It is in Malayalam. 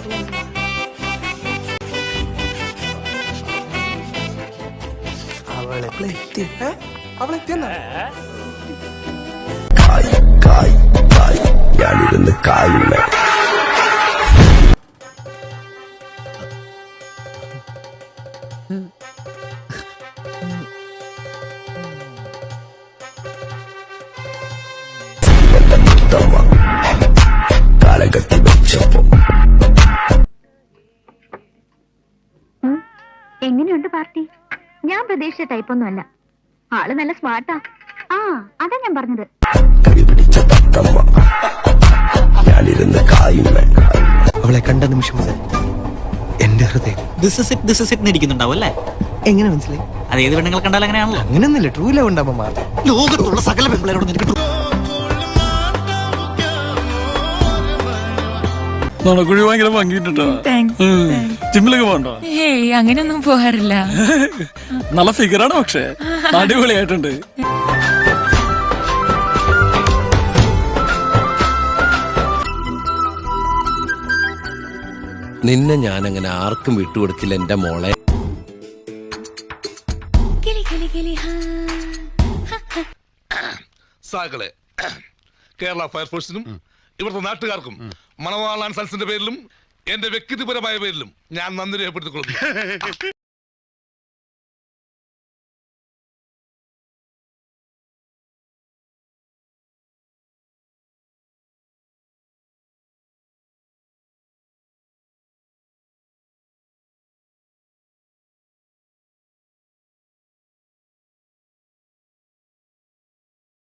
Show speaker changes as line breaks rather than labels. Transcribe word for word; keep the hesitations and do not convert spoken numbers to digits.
അവളെത്തി അവളെത്തിയെന്നാ
കായ് കായ് കായ് ഞാനിരുന്ന് കായുന്ന കാലകത്തി വെച്ചപ്പോ
എങ്ങനെയുണ്ട് പാർട്ടി? ഞാൻ പ്രതീക്ഷിച്ച ടൈപ്പൊന്നുമല്ല. ആള് നല്ല സ്മാർട്ടാ. ആ അതാ ഞാൻ പറഞ്ഞത്.
കൈപിടിച്ച തത്തമ്മ ഞാനിരുന്ന് കായുന്ന.
അവളെ കണ്ട നിമിഷം മുതൽ എന്റെ ഹൃദയം
this is it this is it ഇരിക്കുന്നുണ്ടാവും അല്ലേ?
എങ്ങനെ മനസ്സിലായി?
അത് ഏത് പെണ്ണുങ്ങൾ കണ്ടാൽ അങ്ങനെയാണല്ലോ.
അങ്ങനെയൊന്നുമില്ല, ട്രൂ ലവ് ഉണ്ടാവുമ്പോ മാത്രം.
ലോകത്തുള്ള സകല പെൺപിള്ളേരോടും എനിക്ക്
കുഴി ഭയങ്കര ഭംഗിട്ടോ. ജിമ്മിലൊക്കെ പോകണ്ടോ?
ഏയ് അങ്ങനെയൊന്നും പോകാറില്ല.
നല്ല ഫിഗറാണ്, പക്ഷെ അടിപൊളിയായിട്ടുണ്ട്.
നിന്നെ ഞാൻ അങ്ങനെ ആർക്കും വിട്ടുകൊടുക്കില്ല എന്റെ മോളെ.
സാകളെ കേരള ഫയർഫോഴ്സിനും ഇവിടുത്തെ നാട്ടുകാർക്കും മണവാളാൻ സൽസിന്റെ പേരിലും എന്റെ വ്യക്തിപരമായ പേരിലും ഞാൻ നന്ദി രേഖപ്പെടുത്തിക്കൊള്ളുന്നു.